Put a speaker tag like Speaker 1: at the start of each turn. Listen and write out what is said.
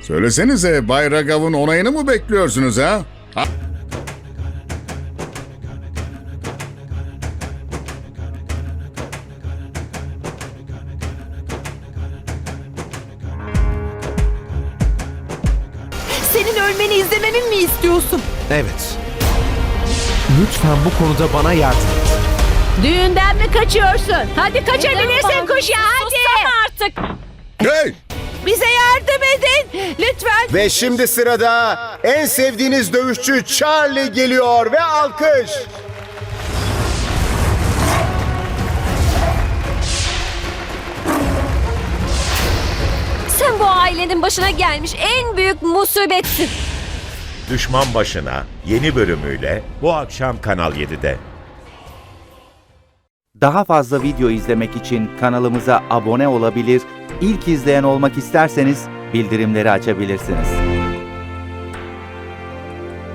Speaker 1: Söylesenize Bay Raghav'ın onayını mı bekliyorsunuz ha?
Speaker 2: Senin ölmeni izlememi mi istiyorsun?
Speaker 3: Evet. Lütfen bu konuda bana yardım et.
Speaker 4: Düğünden mi kaçıyorsun? Hadi kaçabilirsin kuşya hadi.
Speaker 2: Artık
Speaker 1: Hey!
Speaker 2: bize yardım edin. Lütfen.
Speaker 5: Ve şimdi sırada en sevdiğiniz dövüşçü Charlie geliyor ve alkış.
Speaker 2: Sen bu ailenin başına gelmiş en büyük musibetsin.
Speaker 6: Düşman Başına yeni bölümüyle bu akşam Kanal 7'de.
Speaker 7: Daha fazla video izlemek için kanalımıza abone olabilir, ilk izleyen olmak isterseniz bildirimleri açabilirsiniz.